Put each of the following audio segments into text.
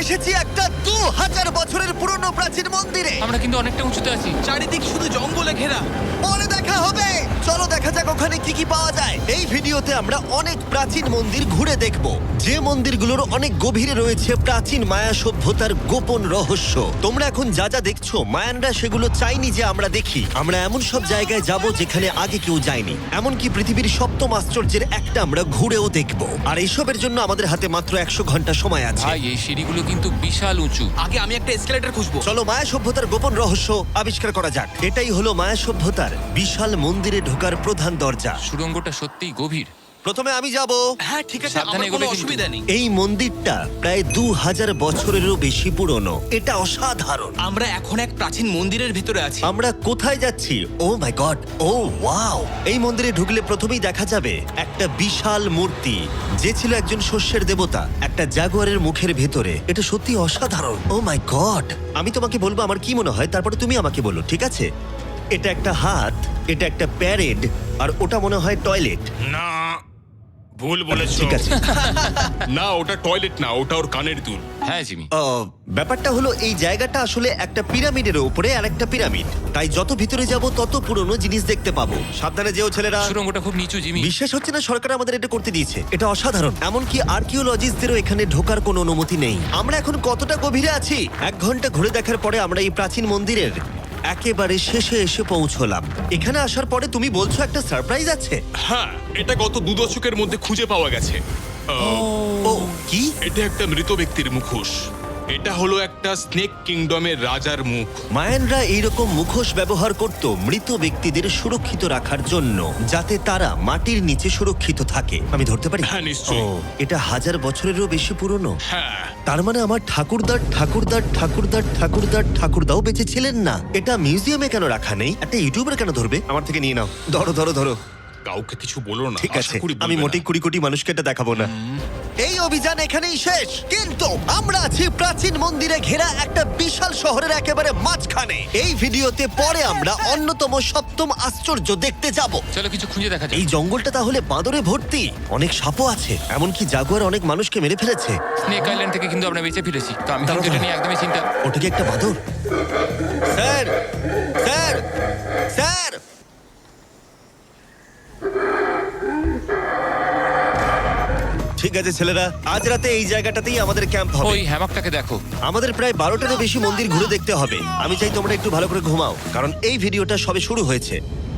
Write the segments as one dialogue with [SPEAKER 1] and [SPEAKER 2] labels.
[SPEAKER 1] এসেছি একটা 2000 বছরের পুরনো প্রাচীন মন্দিরে।
[SPEAKER 2] আমরা কিন্তু অনেকটা উঁচুতে আছি।
[SPEAKER 3] চারিদিক শুধু জঙ্গলে ঘেরা।
[SPEAKER 1] পরে দেখা হবে। চলো দেখা যাক ওখানে কি কি পাওয়া যায়। এই ভিডিওতে আমরা অনেক প্রাচীন মন্দির ঘুরে দেখব, যে মন্দিরগুলোর অনেক গভীরে রয়েছে প্রাচীন মায়া সভ্যতার গোপন রহস্য। তোমরা এখন যা যা দেখছো, মায়ানরা সেগুলো চাইনি যে আমরা দেখি। আমরা এমন সব জায়গায় যাব যেখানে আগে কেউ যায়নি, এমনকি পৃথিবীর সপ্তম আশ্চর্যের একটা আমরা ঘুরেও দেখব। আর এইসবের জন্য আমাদের হাতে মাত্র 100 ঘন্টা সময় আছে।
[SPEAKER 2] ভাই এই সিঁড়িগুলো কিন্তু বিশাল উঁচু।
[SPEAKER 3] আগে আমি একটা এসকেলেটর খুঁজবো।
[SPEAKER 1] চলো মায়া সভ্যতার গোপন রহস্য আবিষ্কার করা যাক। এটাই হলো মায়া সভ্যতার বিশাল মন্দিরে ঢোকার প্রধান দরজা।
[SPEAKER 2] সুড়ঙ্গটা সত্যিই গভীর।
[SPEAKER 1] প্রথমে আমি যাব।
[SPEAKER 3] হ্যাঁ ঠিক আছে,
[SPEAKER 2] সাবধানে
[SPEAKER 3] আমার কোনো
[SPEAKER 2] এগোবে কিন্তু।
[SPEAKER 3] অসুবিধা নেই।
[SPEAKER 1] এই মন্দিরটা প্রায় 2000 বছরেরও বেশি পুরনো। এটা অসাধারণ।
[SPEAKER 3] আমরা এখন এক প্রাচীন মন্দিরের ভিতরে আছি।
[SPEAKER 1] আমরা কোথায় যাচ্ছি? Oh my god, oh wow! এই মন্দিরে ঢুকলে প্রথমেই দেখা যাবে একটা বিশাল মূর্তি, যে ছিল একজন শস্যের দেবতা, একটা জাগুয়ারের মুখের ভেতরে। এটা সত্যি অসাধারণ। Oh my god! আমি তোমাকে বলবো আমার কি মনে হয়, তারপরে তুমি আমাকে বলো, ঠিক আছে? এটা একটা হাত, এটা একটা প্যারেড, আর ওটা মনে হয় টয়লেট।
[SPEAKER 4] না, ভুল বলেছো।
[SPEAKER 1] ঠিক আছে।
[SPEAKER 4] না, ওটা টয়লেট না, ওটা ওর কানের দুল।
[SPEAKER 2] হ্যাঁ জিমি।
[SPEAKER 1] ব্যাপারটা হলো এই জায়গাটা আসলে একটা পিরামিডের উপরে আর একটা পিরামিড, তাই যত ভিতরে যাব তত পুরনো জিনিস দেখতে পাবো। সাবধানে যেও ছেলেরা।
[SPEAKER 2] সুড়ঙ্গটা খুব নিচু জিমি।
[SPEAKER 1] বিশ্বাস হচ্ছে না সরকার আমাদের এটা করতে দিয়েছে। এটা অসাধারণ। এমনকি আর্কিওলজিস্টদেরও এখানে ঢোকার কোনো অনুমতি নেই। আমরা এখন কতটা গভীরে আছি? 1 ঘন্টা ঘুরে দেখার পরে আমরা এই প্রাচীন মন্দিরের একেবারে শেষে এসে পৌঁছলাম। এখানে আসার পরে তুমি বলছো একটা সারপ্রাইজ আছে।
[SPEAKER 4] হ্যাঁ, এটা গত 2 দশকের মধ্যে খুঁজে পাওয়া গেছে।
[SPEAKER 1] ও কি?
[SPEAKER 4] এটা একটা মৃত ব্যক্তির মুখোশ। এটা হলো একটা স্নেক কিংডমের রাজার মুখ।
[SPEAKER 1] মায়ানরা এইরকম মুখোশ ব্যবহার করত মৃত ব্যক্তিদের সুরক্ষিত রাখার জন্য, যাতে তারা মাটির নিচে সুরক্ষিত থাকে। আমি ধরতে পারি?
[SPEAKER 4] হ্যাঁ, নিশ্চয়ই।
[SPEAKER 1] এটা 1000 বছরেরও বেশি পুরনো।
[SPEAKER 4] হ্যাঁ,
[SPEAKER 1] তার মানে আমার ঠাকুরদাও বেঁচে ছিলেন না। এটা মিউজিয়ামে কেন রাখা নেই? একটা ইউটিউবার কেন ধরবে? আমার থেকে নিয়ে নাও। ধরো।
[SPEAKER 4] কাউকে কিছু বলো না।
[SPEAKER 1] ঠিক
[SPEAKER 4] আশা
[SPEAKER 1] আছে,
[SPEAKER 4] করি
[SPEAKER 1] আমি
[SPEAKER 4] বলবে
[SPEAKER 1] মোটেই
[SPEAKER 4] না।
[SPEAKER 1] 20 কোটি মানুষকে এটা দেখাবো না। এই অভিযান এখানেই শেষ, কিন্তু আমরা আছি প্রাচীন মন্দিরে ঘেরা একটা বিশাল শহরের একেবারে মাঝখানে। এই ভিডিওতে পরে আমরা অন্যতম সপ্তম আশ্চর্য দেখতে যাব।
[SPEAKER 2] চলো কিছু খুঁজে দেখা যাক।
[SPEAKER 1] এই জঙ্গলটা তাহলে বাঁদরে ভর্তি, অনেক সাপও আছে, এমনকি জাগুয়ার অনেক মানুষকে মেরে ফেলেছে।
[SPEAKER 2] স্নেক আইল্যান্ড থেকে কিন্তু আমরা বেঁচে ফিরেছি, তো আমি
[SPEAKER 1] দাঁড়াও,
[SPEAKER 2] কিন্তু এটা
[SPEAKER 1] দাঁড়াও।
[SPEAKER 2] নিয়ে একদমই চিন্তা।
[SPEAKER 1] ওটা কি একটা বাঁদর? Sir, sir, sir! ঠিক আছে ছেলেরা, আজ রাতে এই জায়গাটাতেই আমাদের ক্যাম্প হবে।
[SPEAKER 2] ওই হ্যামকটাকে দেখো।
[SPEAKER 1] আমাদের প্রায় 12টারও বেশি মন্দির ঘুরে দেখতে হবে। আমি চাই তোমরা একটু ভালো করে ঘুমাও, কারণ এই ভিডিওটা সবে শুরু হয়েছে।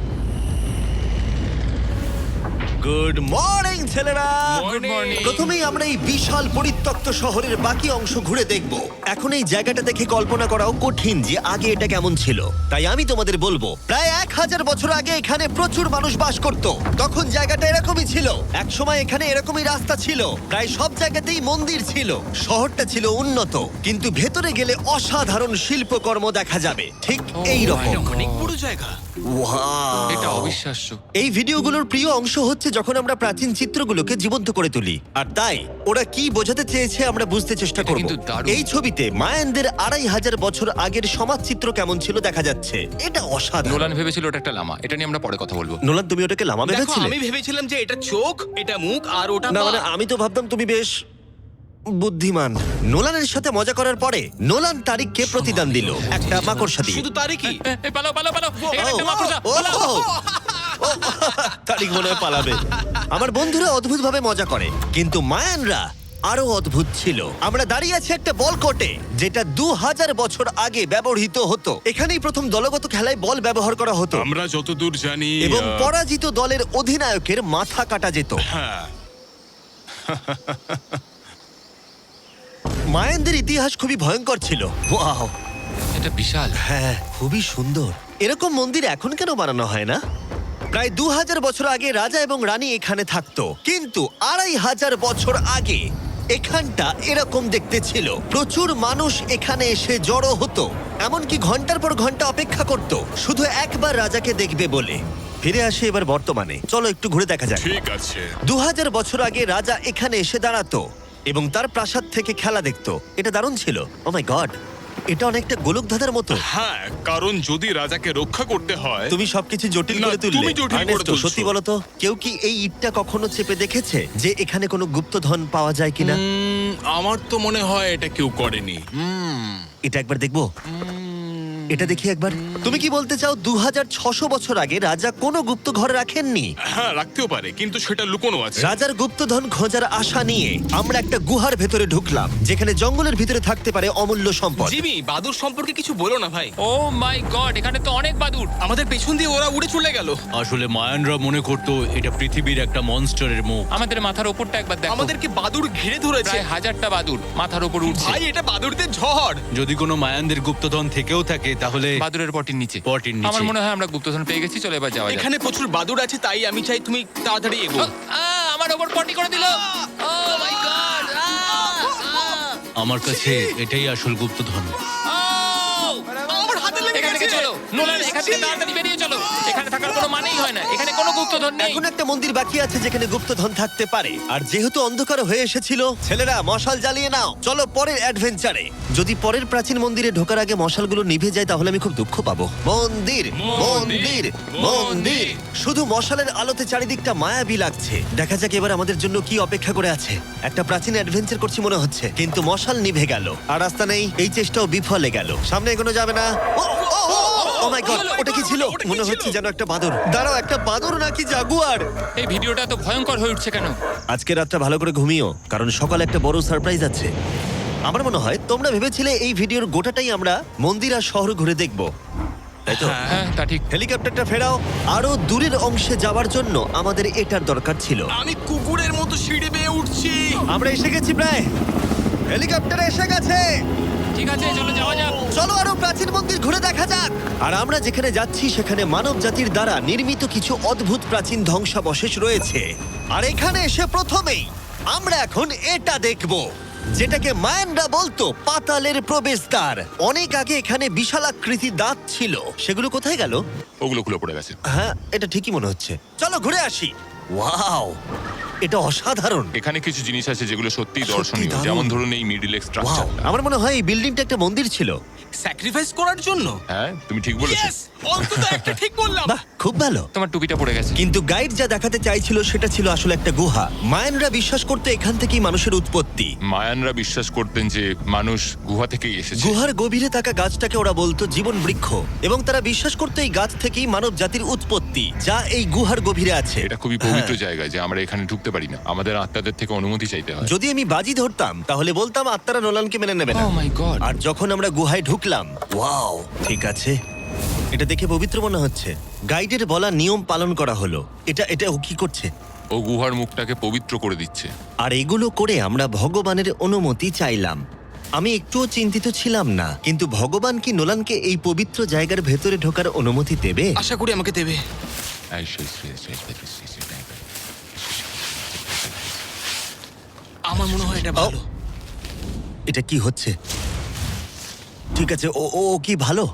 [SPEAKER 1] গুড মর্নিং ছেলেরা।
[SPEAKER 2] Good morning.
[SPEAKER 1] প্রথমেই আমরা এই বিশাল পরিত্যক্ত শহরের বাকি অংশ ঘুরে দেখব। এখন এই জায়গাটা দেখে কল্পনা করাও কঠিন যে আগে এটা কেমন ছিল। তাই আমি তোমাদের বলবো, প্রায় 1000 বছর আগে এখানে প্রচুর মানুষ বাস করত। তখন জায়গাটা এরকমই ছিল। একসময় এখানে এরকমই রাস্তা ছিল, প্রায় সব জায়গাতেই মন্দির ছিল। শহরটা ছিল উন্নত, কিন্তু ভেতরে গেলে অসাধারণ শিল্পকর্ম দেখা যাবে, ঠিক এই রকম।
[SPEAKER 3] এটা অনেক বড় জায়গা।
[SPEAKER 2] এটা অবিশ্বাস্য।
[SPEAKER 1] এই ভিডিওগুলোর প্রিয় অংশ হচ্ছে যখন আমরা প্রাচীন চিত্রগুলোকে জীবন্ত করে তুলি, আর তাই ওরা কি বোঝাতে চেয়েছে আমরা বুঝতে চেষ্টা
[SPEAKER 2] এটা
[SPEAKER 1] করব।
[SPEAKER 2] কিন্তু দারুণ।
[SPEAKER 1] এই ছবিতে মায়ানদের 2500 বছর আগের সমাজ চিত্র কেমন ছিল দেখা যাচ্ছে। এটা অসাধারণ।
[SPEAKER 2] নোলান ভেবেছিল ওটা একটা লামা। এটা নিয়ে আমরা পরে কথা বলবো।
[SPEAKER 1] নোলান, তুমি ওটাকে লামা
[SPEAKER 3] দেখো,
[SPEAKER 1] ভেবেছিলে?
[SPEAKER 3] আমি ভেবেছিলাম যে এটা চোখ, এটা মুখ, আর ওটা
[SPEAKER 1] না
[SPEAKER 3] পা।
[SPEAKER 1] মানে আমি তো ভাবতাম তুমি বেশ বুদ্ধিমান। নোলানের সাথে মজা করার পরে নোলান তারিখকে প্রতিদান দিল একটা মাকড়সা দিয়ে।
[SPEAKER 3] শুধু তারই কি?
[SPEAKER 2] পালাও। এখানে একটা মাকড়সা।
[SPEAKER 1] ও,
[SPEAKER 2] পালাও।
[SPEAKER 1] ও, ও, তারিক মনে হয় পালাবে। আমার বন্ধুরা অদ্ভুত ভাবে মজা করে, কিন্তু মায়ানরা আরো অদ্ভুত ছিল। আমরা দাঁড়িয়ে আছি একটা বল কোর্টে, যেটা 2000 বছর আগে ব্যবহৃত হতো। এখানেই প্রথম দলগত খেলায় বল ব্যবহার করা হতো,
[SPEAKER 4] আমরা যতদূর জানি
[SPEAKER 1] এবং পরাজিত দলের অধিনায়কের মাথা কাটা যেত।
[SPEAKER 4] হ্যাঁ,
[SPEAKER 1] মায়ানদের ইতিহাস খুবই ভয়ঙ্কর ছিল। ওয়াও,
[SPEAKER 2] এটা বিশাল।
[SPEAKER 1] হ্যাঁ, খুবই সুন্দর। এরকম মন্দির এখন কেন বানানো হয় না? প্রায় 2000 বছর আগে রাজা এবং রানী এখানে থাকতো, কিন্তু 2500 বছর আগে এখানটা এরকম দেখতে ছিল। প্রচুর মানুষ এখানে এসে জড়ো হতো, এমনকি ঘন্টার পর ঘন্টা অপেক্ষা করত শুধু একবার রাজাকে দেখবে বলে। ফিরে আসে এবার বর্তমানে, চলো একটু ঘুরে দেখা যাক।
[SPEAKER 4] ঠিক আছে।
[SPEAKER 1] 2000 বছর আগে রাজা এখানে এসে দাঁড়াতো এবং তার প্রাসাদ থেকে খেলা দেখতো। এটা দারুণ ছিল। ও মাই গড, এটা অনেকটা গোলক ধাঁধার মতো।
[SPEAKER 4] হ্যাঁ, কারণ যদি রাজাকে রক্ষা করতে হয়
[SPEAKER 1] তুমি সবকিছু জটিল
[SPEAKER 4] না,
[SPEAKER 1] করে তুললে।
[SPEAKER 4] তুমি জটিল করে
[SPEAKER 1] আর্নেস্টো,
[SPEAKER 4] তুলছো।
[SPEAKER 1] সত্যি বলো তো, কেউ কি এই ইটটা কখনো চেপে দেখেছে যে এখানে কোনো গুপ্তধন পাওয়া যায় কিনা?
[SPEAKER 4] আমার তো মনে হয় এটা কেউ করেনি।
[SPEAKER 1] এটা একবার দেখবো। এটা দেখি একবার। তুমি কি বলতে চাও 2600 বছর আগে রাজা কোনো গুপ্ত ঘরে রাখেননি?
[SPEAKER 4] হ্যাঁ, রাখতেও পারে, কিন্তু সেটা লুকোনো আছে।
[SPEAKER 1] রাজার গুপ্তধন খোঁজার আশা নিয়ে আমরা একটা গুহার ভেতরে ঢুকলাম, যেখানে জঙ্গলের ভিতরে থাকতে পারে অমূল্য সম্পদ।
[SPEAKER 3] জিমি, বাদুর সম্পর্কে কিছু বলো না ভাই।
[SPEAKER 2] ও মাই গড, এখানে তো অনেক বাদুড়।
[SPEAKER 3] আমাদের পেছন দিয়ে ওরা উড়ে চলে গেল।
[SPEAKER 5] আসলে মায়ানরা মনে করতো এটা পৃথিবীর একটা মনস্টারের মুখ।
[SPEAKER 2] আমাদের মাথার ওপরটা একবার দেখো,
[SPEAKER 3] আমাদেরকে বাদুর ঘিরে ধরেছে।
[SPEAKER 2] প্রায় 1000টা বাদুড় মাথার ওপর উঠছে।
[SPEAKER 3] ভাই, এটা বাদুরদের ঝড়।
[SPEAKER 5] যদি কোনো মায়ানদের গুপ্তধন থেকেও থাকে তাহলে
[SPEAKER 2] বাদুড়ের পটির নিচে।
[SPEAKER 5] পটির নিচে।
[SPEAKER 2] আমার মনে হয় আমরা গুপ্তধন পেয়ে গেছি, চলে এবার যাওয়া যাক।
[SPEAKER 3] এখানে প্রচুর বাদুর আছে, তাই আমি চাই তুমি তাড়াতাড়ি এগো।
[SPEAKER 2] আমার ওপর পটি করে দিল। Oh my god.
[SPEAKER 5] আমার কাছে এটাই আসল গুপ্তধন।
[SPEAKER 3] আমার হাতে লেগে
[SPEAKER 2] এখান থেকে
[SPEAKER 3] গেছে।
[SPEAKER 2] চলো নোলান, এখান থেকে তাড়াতাড়ি বেরিয়ে চলো। এখানে থাকার কোনো মানেই হয় না, এখানে কোনো গুপ্তধন নেই।
[SPEAKER 1] এখন একটা মন্দির বাকি আছে যেখানে গুপ্তধন থাকতে পারে, আর যেহেতু অন্ধকার হয়ে এসেছিল, ছেলেরা মশাল জ্বালিয়ে নাও। চলো পরের অ্যাডভেঞ্চারে। যদি পরের প্রাচীন মন্দিরে ঢোকার আগে মশালগুলো নিভে যায় তাহলে আমি খুব দুঃখ পাবো। মন্দির, মন্দির, মন্দির। শুধু মশালের আলোতে চারিদিকটা মায়াবী লাগছে। দেখা যাক এবার আমাদের জন্য কি অপেক্ষা করে আছে। একটা প্রাচীন অ্যাডভেঞ্চার করছি মনে হচ্ছে, কিন্তু মশাল নিভে গেল আর রাস্তা নেই। এই চেষ্টাও বিফলে গেল। সামনে এগোনো যাবে না। ও মাই গড, ওটা কি ছিল? মনে হচ্ছে যেন একটা বাদর। দাঁড়াও, একটা বাদর নাকি জাগুয়ার?
[SPEAKER 2] এই ভিডিওটা তো ভয়ঙ্কর হয়ে উঠছে কেন?
[SPEAKER 1] আজকে রাতটা ভালো করে ঘুমিও, কারণ সকালে একটা বড় সারপ্রাইজ আছে। আমার মনে হয় তোমরা ভেবেছিলে এই ভিডিওর গোটাটাই আমরা মন্দির আর শহর ঘুরে দেখব, তাই তো?
[SPEAKER 2] হ্যাঁ, তা ঠিক।
[SPEAKER 1] হেলিকপ্টারটা ফেরাও। আরো দূরের অংশে যাওয়ার জন্য আমাদের এটার দরকার ছিল।
[SPEAKER 3] আমি কুকুরের মতো সিঁড়ি বেয়ে উঠছি।
[SPEAKER 1] আমরা এসে গেছি প্রায়। হেলিকপ্টার এসে গেছে।
[SPEAKER 2] ঠিক আছে, চলো যাওয়া যাক।
[SPEAKER 1] চলো আরো প্রাচীন মন্দির ঘুরে দেখা যাক। আর আমরা যেখানে যাচ্ছি সেখানে মানব জাতির দ্বারা নির্মিত কিছু অদ্ভুত প্রাচীন ধ্বংসাবশেষ রয়েছে। আর এখানে এসে প্রথমেই আমরা এখন এটা দেখব, যেটাকে মায়ানরা বলতো পাতালের প্রবেশদ্বার। অনেক আগে এখানে বিশালাকৃতি দাঁত ছিল, সেগুলো কোথায় গেল?
[SPEAKER 2] ওগুলো খুলে পড়ে গেছে।
[SPEAKER 1] হ্যাঁ, এটা ঠিকই মনে হচ্ছে। চলো ঘুরে আসি। ওয়াও, এটা অসাধারণ।
[SPEAKER 2] এখানে কিছু জিনিস আছে যেগুলো সত্যিই
[SPEAKER 1] সত্যি
[SPEAKER 2] দর্শনীয়,
[SPEAKER 1] দারুণ।
[SPEAKER 2] যেমন ধরুন এই মিডিল এক্স
[SPEAKER 1] ওয়াও,
[SPEAKER 2] স্ট্রাকচারটা।
[SPEAKER 1] আমার মনে হয় এই বিল্ডিংটা একটা মন্দির ছিল।
[SPEAKER 3] স্যাক্রিফাইস করার জন্য।
[SPEAKER 2] হ্যাঁ, তুমি ঠিক বলেছো।
[SPEAKER 3] Yes! অন্তত একটা ঠিক বললাম।
[SPEAKER 1] বাহ, খুব ভালো।
[SPEAKER 2] তোমার টুপিটা পড়ে গেছে।
[SPEAKER 1] কিন্তু গাইড যা দেখাতে চাইছিল সেটা ছিল আসলে একটা গুহা। মায়ানরা বিশ্বাস করতে এখান থেকেই মানুষের উৎপত্তি।
[SPEAKER 2] মায়ানরা বিশ্বাস করতেন যে মানুষ গুহা থেকেই এসেছে।
[SPEAKER 1] গুহার গভীরে থাকা গাছটাকে ওরা বলতো জীবন বৃক্ষ, এবং তারা বিশ্বাস করতো এই গাছ থেকেই মানব জাতির উৎপত্তি, যা এই গুহার গভীরে আছে।
[SPEAKER 2] এটা খুবই পবিত্র জায়গা যে আমরা এখানে ঢুকতে পারি না, আমাদের আত্মাদের থেকে অনুমতি চাইতে হয়।
[SPEAKER 1] যদি আমি বাজি ধরতাম তাহলে বলতাম আত্মারা নোলানকে মেনে নেবে না।
[SPEAKER 2] ও মাই গড।
[SPEAKER 1] আর যখন আমরা গুহায় ঢুকলাম, ওয়াও, ঠিক আছে, এটা দেখে পবিত্র মনে হচ্ছে। গাইডের বলা নিয়ম পালন করা হলো। এটা ও কি করছে?
[SPEAKER 2] ও গুহার মুখটাকে পবিত্র করে দিচ্ছে।
[SPEAKER 1] আর এগুলো করে আমরা ভগবানের অনুমতি চাইলাম। আমি একটুও চিন্তিত ছিলাম না, কিন্তু ভগবান কি নোলানকে এই পবিত্র জায়গার ভেতরে ঢোকার অনুমতি দেবে?
[SPEAKER 3] আশা করি আমাকে দেবে। আমার মনে হয় এটা ভালো।
[SPEAKER 1] এটা কি হচ্ছে? ঠিক আছে, ও ও ও কি ভালো?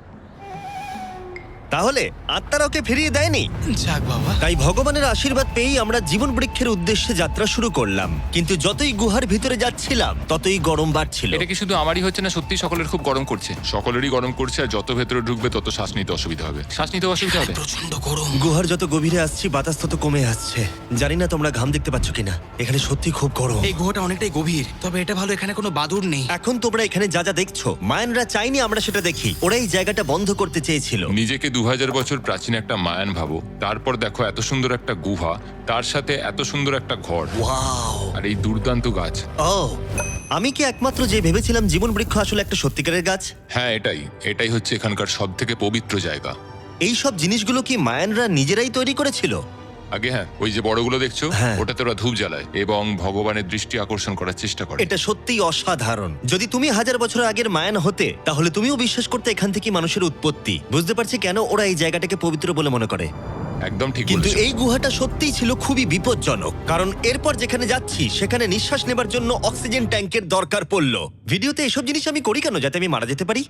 [SPEAKER 1] তাহলে আত্মারা ওকে ফিরিয়ে দেয়নি।
[SPEAKER 3] যাক বাবা।
[SPEAKER 1] তাই ভগবানের আশীর্বাদ পেয়েই আমরা জীবন বৃক্ষের উদ্দেশ্যে যাত্রা শুরু করলাম। কিন্তু যতই গুহার ভিতরে যাচ্ছিলাম ততই গরম বাড়ছিল।
[SPEAKER 2] এটা কি শুধু আমারই হচ্ছে না, সত্যি সকলের খুব গরম করছে? সকলেরই গরম করছে, আর যত ভেতরে ঢুকবে তত শ্বাস নিতে অসুবিধা হবে। শ্বাস নিতে অসুবিধা হবে।
[SPEAKER 3] প্রচন্ড গরম।
[SPEAKER 1] গুহার যত গভীরে আসছি বাতাস তত কমে আসছে। জানি না তোমরা ঘাম দেখতে পাচ্ছ কিনা, এখানে সত্যি খুব গরম।
[SPEAKER 3] এই গুহাটা অনেকটাই গভীর, তবে এটা ভালো এখানে কোনো বাদুড় নেই।
[SPEAKER 1] এখন তোমরা এখানে যা যা দেখছো, মায়ানরা চাইনি আমরা সেটা দেখি। ওরা এই জায়গাটা বন্ধ করতে চেয়েছিল।
[SPEAKER 2] নিজেকে 2000 বছর প্রাচীন একটা মায়ান ভাবো, তারপর দেখো এত সুন্দর একটা গুহা, তার সাথে এত সুন্দর একটা ঘর,
[SPEAKER 1] ওয়াও,
[SPEAKER 2] আর এই দুর্দান্ত গাছ।
[SPEAKER 1] ও, আমি কি একমাত্র যে ভেবেছিলাম জীবন বৃক্ষ আসলে একটা সত্যিকারের গাছ?
[SPEAKER 2] হ্যাঁ, এটাই হচ্ছে এখানকার সব থেকে পবিত্র জায়গা।
[SPEAKER 1] এই সব জিনিসগুলো কি মায়ানরা নিজেরাই তৈরি করেছিল?
[SPEAKER 2] আগে হ্যাঁ, ওই যে বড়গুলো দেখছো,
[SPEAKER 1] হ্যাঁ।
[SPEAKER 2] ওটাতে ওরা ধূপ জ্বালায় এবং ভগবানের দৃষ্টি আকর্ষণ করার চেষ্টা করে।
[SPEAKER 1] এটা সত্যিই অসাধারণ। যদি তুমি 1000 বছর আগের মায়ান হতে, তাহলে তুমিও বিশ্বাস করতে এখান থেকে মানুষের উৎপত্তি। বুঝতে পারছি কেন ওরা এই জায়গাটাকে পবিত্র বলে মনে করে।
[SPEAKER 2] একদম ঠিক
[SPEAKER 1] কিন্তু
[SPEAKER 2] বলেছো।
[SPEAKER 1] এই গুহাটা সত্যিই ছিল খুবই বিপজ্জনক, কারণ এরপর যেখানে যাচ্ছি সেখানে নিঃশ্বাস নেবার জন্য অক্সিজেন ট্যাঙ্কের দরকার পড়লো। ভিডিওতে এসব জিনিস আমি করি কেন? যাতে আমি মারা যেতে পারি?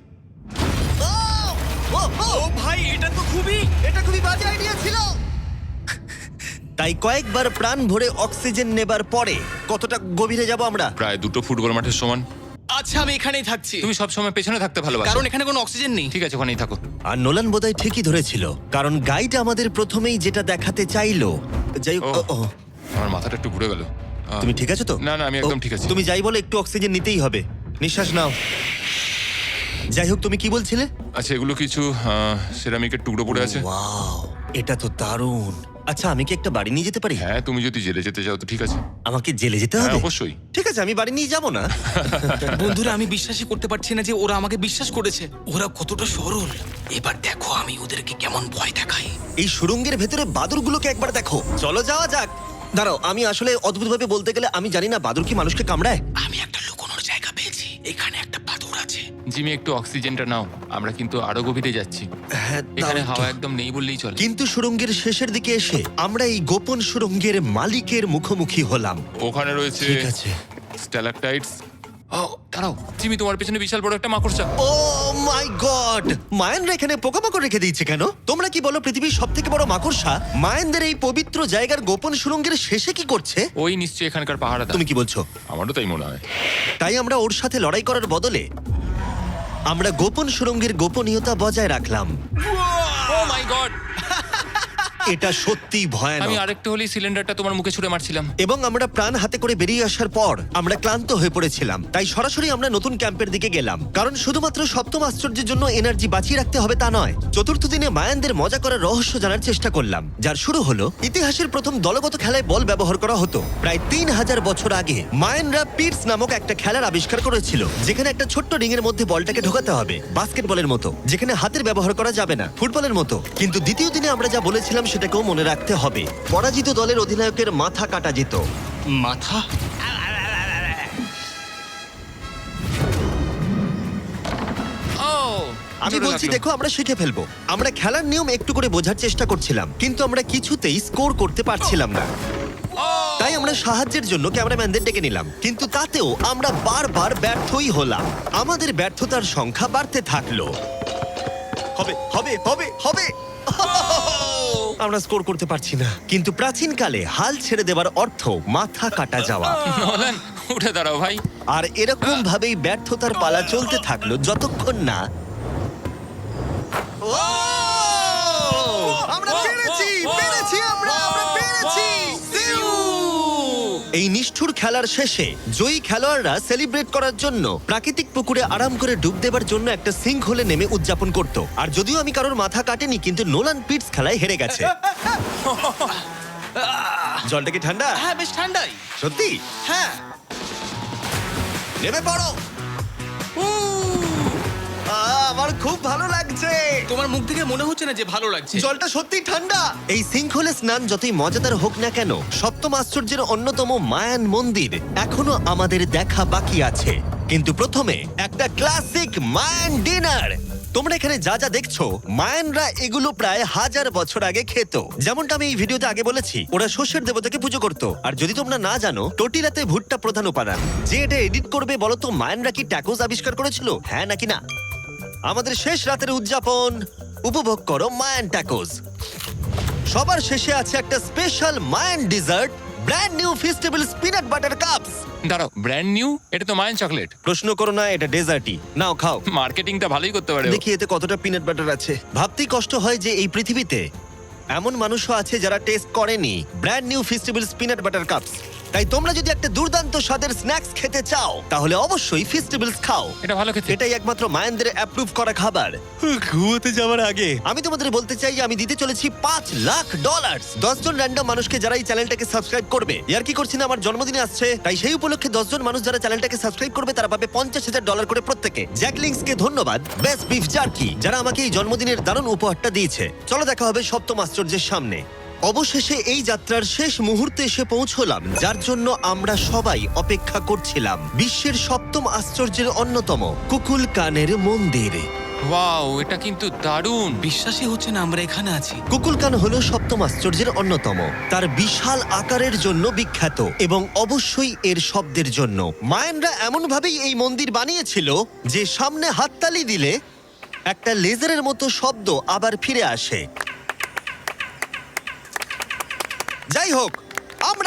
[SPEAKER 3] ও ভাই, এটা তো
[SPEAKER 1] এটা খুবই বাজে আইডিয়া ছিল। তাই কয়েকবার প্রাণ ভরে অক্সিজেন নেবার পরে কতটা গভীরে যাব আমরা?
[SPEAKER 2] প্রায় 2 ফুটবল মাঠের সমান।
[SPEAKER 3] আচ্ছা আমি এখানেই থাকছি
[SPEAKER 2] তুমি সবসময় পেছনে থাকতে ভালোবাসো।
[SPEAKER 3] কারণ এখানে কোনো অক্সিজেন নেই।
[SPEAKER 2] ঠিক আছে, ওখানেই থাকো।
[SPEAKER 1] আর নোলান বোধহয় ঠিকই ধরেছিল, কারণ গাইড আমাদের প্রথমেই যেটা দেখাতে চাইলো। যাই হোক,
[SPEAKER 2] ও। আমার মাথাটা একটু ঘুরে গেল।
[SPEAKER 1] তুমি ঠিক আছো তো?
[SPEAKER 2] না, না, আমি একদম ঠিক আছি।
[SPEAKER 1] তুমি যাই বলো, একটু অক্সিজেন নিতেই হবে। নিঃশ্বাস নাও। যাই হোক, তুমি কি বলছিলে?
[SPEAKER 2] আচ্ছা, এগুলো কিছু সেরামিকের টুকরো পড়ে আছে।
[SPEAKER 1] ওয়াও, এটা তো দারুণ। আচ্ছা, আমি কি একটা বাড়ি নিয়ে যেতে পারি?
[SPEAKER 2] হ্যাঁ, তুমি যদি জেলে যেতে চাও তো ঠিক আছে।
[SPEAKER 1] আমাকে জেলে যেতে
[SPEAKER 2] হ্যাঁ,
[SPEAKER 1] হবে?
[SPEAKER 2] অবশ্যই।
[SPEAKER 1] ঠিক আছে, আমি বাড়ি নিয়ে যাব না।
[SPEAKER 3] বন্ধুরা আমি বিশ্বাসই করতে পারছি না যে ওরা আমাকে বিশ্বাস করেছে। ওরা কতটা সরল। এবার দেখো আমি ওদেরকে কেমন ভয় দেখাই।
[SPEAKER 1] এই সুড়ঙ্গের ভেতরে বাদুরগুলোকে একবার দেখো। চলো যাওয়া যাক। দাঁড়াও, আমি আসলে অদ্ভুতভাবে বলতে গেলে আমি জানি না বাদুর কি মানুষকে কামড়ায়।
[SPEAKER 3] আমি একটা লুকোনোর জায়গা পেয়েছি। এখানে একটা বাদুড় আছে।
[SPEAKER 2] জিমি, একটু অক্সিজেনটা নাও। আমরা কিন্তু আরো গভীরে যাচ্ছি।
[SPEAKER 1] হ্যাঁ, দাও
[SPEAKER 2] এখানে
[SPEAKER 1] একটু।
[SPEAKER 2] হাওয়া একদম নেই বললেই চলে।
[SPEAKER 1] কিন্তু সুড়ঙ্গের শেষের দিকে এসে আমরা এই গোপন সুড়ঙ্গের মালিকের মুখোমুখি হলাম।
[SPEAKER 2] ওখানে রয়েছে
[SPEAKER 1] ঠিক আছে।
[SPEAKER 2] স্ট্যালাকটাইটস। ও, দাঁড়াও জিমি, তোমার পেছনে বিশাল বড় একটা মাকড়সা।
[SPEAKER 1] ও মাই গড! মায়ানরা এখানে পোকামাকড় রেখে দিয়েছে কেন? তোমরা কি বলো, পৃথিবীর সবথেকে বড় মাকড়সা মায়ানদের এই পবিত্র জায়গার গোপন সুড়ঙ্গের শেষে কি করছে?
[SPEAKER 2] ওই নিশ্চয়ই এখানকার পাহাড়া।
[SPEAKER 1] তুমি কি বলছো?
[SPEAKER 2] আমারও তাই মনে হয়।
[SPEAKER 1] তাই আমরা ওর সাথে লড়াই করার বদলে আমরা গোপন সুড়ঙ্গের গোপনীয়তা বজায় রাখলাম।
[SPEAKER 2] Oh my god!
[SPEAKER 1] এটা সত্যিই
[SPEAKER 2] আমি
[SPEAKER 1] ভয়ানক।
[SPEAKER 2] আরেকটা হলি সিলিন্ডারটা তোমার মুখে ছুঁড়ে মারছিলাম।
[SPEAKER 1] এবং আমরা প্রাণ হাতে করে বেরিয়ে আসার পর আমরা ক্লান্ত হয়ে পড়েছিলাম, তাই সরাসরি আমরা নতুন ক্যাম্পের দিকে গেলাম। কারণ শুধুমাত্র সপ্তম আশ্চর্যের জন্য এনার্জি বাঁচিয়ে রাখতে হবে তা নয়। চতুর্থ দিনে মায়ানদের মজা করার রহস্য জানার চেষ্টা করলাম, যার শুরু হলো ইতিহাসের প্রথম দলগত খেলায় বল ব্যবহার করা হতো। প্রায় 3000 বছর আগে মায়ানরা পিটস নামক একটা খেলার আবিষ্কার করেছিল, যেখানে একটা ছোট্ট রিং এর মধ্যে বলটাকে ঢোকাতে হবে, বাস্কেটবলের মতো, যেখানে হাতের ব্যবহার করা যাবে না, ফুটবলের মতো। কিন্তু দ্বিতীয় দিনে আমরা যা বলেছিলাম সেটাকেও মনে রাখতে হবে। পরাজিত দলের অধিনায়কের মাথা কাটা যেত।
[SPEAKER 3] মাথা?
[SPEAKER 2] ও,
[SPEAKER 1] আমি
[SPEAKER 2] জোরে
[SPEAKER 1] বলছি
[SPEAKER 2] লাগলো।
[SPEAKER 1] দেখো, আমরা শিখে ফেলবো। আমরা খেলার নিয়ম একটু করে বোঝার চেষ্টা করছিলাম, কিন্তু আমরা কিছুতেই স্কোর করতে পারছিলাম না। তাই আমরা সাহায্যের জন্য ক্যামেরাম্যানদের ডেকে নিলাম, কিন্তু তাতেও আমরা বারবার ব্যর্থই হলাম। আমাদের ব্যর্থতার সংখ্যা বাড়তে থাকলো। হবে হবে হবে হবে আমরা স্কোর করতে পারছি না। কিন্তু প্রাচীনকালে হাল ছেড়ে দেওয়ার অর্থ মাথা কাটা যাওয়া।
[SPEAKER 2] নোলান, উঠে দাঁড়াও ভাই।
[SPEAKER 1] আর এরকম ভাবেই ব্যর্থতার পালা চলতে থাকলো যতক্ষণ না আমরা পেরেছি, পেরেছি, আমরা পেরেছি। এই নিষ্ঠুর খেলার শেষে জয়ী খেলোয়াড়রা সেলিব্রেট করার জন্য প্রাকৃতিক পুকুরে আরাম করে ডুব দেবার জন্য একটা সিঙ্ক হোলে নেমে উদযাপন করত। আর যদিও আমি কারোর মাথা কাটেনি, কিন্তু নোলান পিটস খেলায় হেরে গেছে। জলটা কি ঠান্ডা?
[SPEAKER 3] হ্যাঁ বেশ ঠান্ডাই।
[SPEAKER 1] সত্যি?
[SPEAKER 3] হ্যাঁ।
[SPEAKER 1] নেমে পড়ো। আমার খুব ভালো লাগছে।
[SPEAKER 3] তোমার মুখ থেকে মনে হচ্ছে না যে ভালো লাগছে।
[SPEAKER 1] জলটা সত্যি ঠান্ডা। এই সিঙ্কহোলে স্নান যতই মজাদার হোক না কেন, সপ্তম আশ্চর্যের অন্যতম মায়ান মন্দির এখনো আমাদের দেখা বাকি আছে। কিন্তু প্রথমে একটা ক্লাসিক মায়ান ডিনার। তোমরা এখানে যা যা দেখছো, মায়ানরা এগুলো প্রায় 1000 বছর আগে খেত। যেমনটা আমি এই ভিডিওতে আগে বলেছি, ওরা শস্যের দেবতাকে পুজো করত। আর যদি তোমরা না জানো, টর্টিলাতে ভুট্টা প্রধান উপাদান। যে এটা এডিট করবে বলো তো, মায়ানরা কি ট্যাকোস আবিষ্কার করেছিল, হ্যাঁ নাকি না? আমাদের শেষ রাতের উদযাপন উপভোগ করো মায়ান ট্যাকোস। সবার শেষে আছে একটা special Mayan dessert, brand new festival peanut butter cups.
[SPEAKER 2] দাঁড়াও, ব্র্যান্ড নিউ? এটা তো মায়ান চকলেট।
[SPEAKER 1] প্রশ্ন করো না, এটা ডেজার্টই। নাও খাও।
[SPEAKER 2] মার্কেটিংটা ভালোই করতে পারে ও।
[SPEAKER 1] দেখি এতে কতটা পিনাট বাটার আছে। ভাবতেই কষ্ট হয় যে এই পৃথিবীতে এমন মানুষও আছে যারা টেস্ট করেনি brand new festival peanut butter cups. তাই তোমরা যদি একটা দুর্দান্ত স্বাদের স্ন্যাক্স খেতে চাও, তাহলে অবশ্যই ফেস্টিভ্যালস খাও।
[SPEAKER 2] এটা ভালো খেতে।
[SPEAKER 1] এটাই একমাত্র মায়ানদের অ্যাপ্রুভ করা খাবার। ঘুমোতে যাওয়ার আগে আমি তোমাদের বলতে চাই যে আমি দিতে চলেছি $5 লাখ। 10 জন র্যান্ডম মানুষকে যারা এই চ্যানেলটাকে সাবস্ক্রাইব করবে। ইয়ার কি করছি না, আমার জন্মদিনে আসছে, তাই সেই উপলক্ষে 10 জন মানুষ যারা চ্যানেলটাকে সাবস্ক্রাইব করবে তারা পাবে $50,000 করে প্রত্যেকে। জ্যাকলিংসকে ধন্যবাদ, বেস্ট বিফ জার্কি, যারা আমাকে এই জন্মদিনের দারুণ উপহারটা দিয়েছে। চলো দেখা হবে সপ্তম আশ্চর্যের সামনে। অবশেষে এই যাত্রার শেষ মুহূর্তে এসে পৌঁছলাম, যার জন্য আমরা সবাই অপেক্ষা করছিলাম। বিশ্বের সপ্তম আশ্চর্যের অন্যতম কুকুলকানের মন্দির।
[SPEAKER 2] ওয়াও, এটা কিন্তু দারুণ।
[SPEAKER 3] বিশ্বাসই হচ্ছে না আমরা এখানে আছি।
[SPEAKER 1] কুকুলকান হলো সপ্তম আশ্চর্যের অন্যতম। তার বিশাল আকারের জন্য বিখ্যাত এবং অবশ্যই এর শব্দের জন্য। মায়ানরা এমন ভাবেই এই মন্দির বানিয়েছিল যে সামনে হাততালি দিলে একটা লেজারের মতো শব্দ আবার ফিরে আসে। যাই হোক, আমরা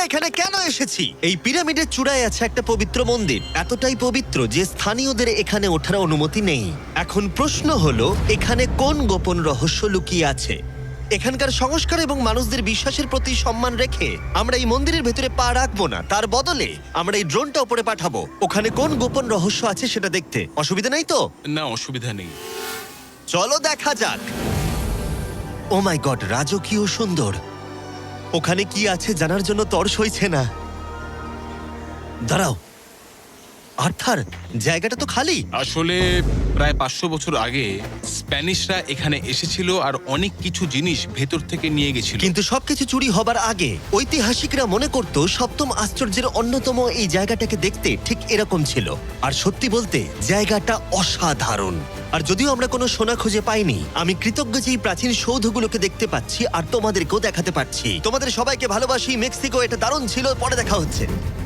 [SPEAKER 1] এখানে কেন এসেছি? এই পিরামিডের চূড়ায় আছে একটা পবিত্র মন্দির, এতটাই পবিত্র যে স্থানীয়দের এখানে ওঠার অনুমতি নেই। এখন প্রশ্ন হলো, এখানে কোন গোপন রহস্য লুকিয়ে আছে? এখানকার সংস্কার এবং মানুষদের বিশ্বাসের প্রতি সম্মান রেখে আমরা এই মন্দিরের ভেতরে পা রাখবো না, তার বদলে আমরা এই ড্রোনটা উপরে পাঠাবো ওখানে কোন গোপন রহস্য আছে সেটা দেখতে। অসুবিধা নেই তো?
[SPEAKER 4] না, অসুবিধা নেই।
[SPEAKER 1] চলো দেখা যাক। ও মাই গড, রাজকীয় সুন্দর। ওখানে কি আছে জানার জন্য তর সইছে না। দাঁড়াও, আর্থার, জায়গাটা তো খালি।
[SPEAKER 4] আসলে প্রায় 500 বছর আগে স্প্যানিশরা এখানে এসেছিল আর অনেক কিছু জিনিস ভেতর থেকে নিয়ে গেছিল।
[SPEAKER 1] কিন্তু সবকিছু চুরি হবার আগে ঐতিহাসিকরা মনে করত সপ্তম আশ্চর্যের অন্যতম এই জায়গাটাকে দেখতে ঠিক এরকম ছিল। আর সত্যি বলতে জায়গাটা অসাধারণ। আর যদিও আমরা কোনো সোনা খুঁজে পাইনি, আমি কৃতজ্ঞ যে এই প্রাচীন সৌধগুলোকে দেখতে পাচ্ছি আর তোমাদেরকেও দেখাতে পারছি। তোমাদের সবাইকে ভালোবাসি। মেক্সিকো, এটা দারুণ ছিল। পরে দেখা হচ্ছে।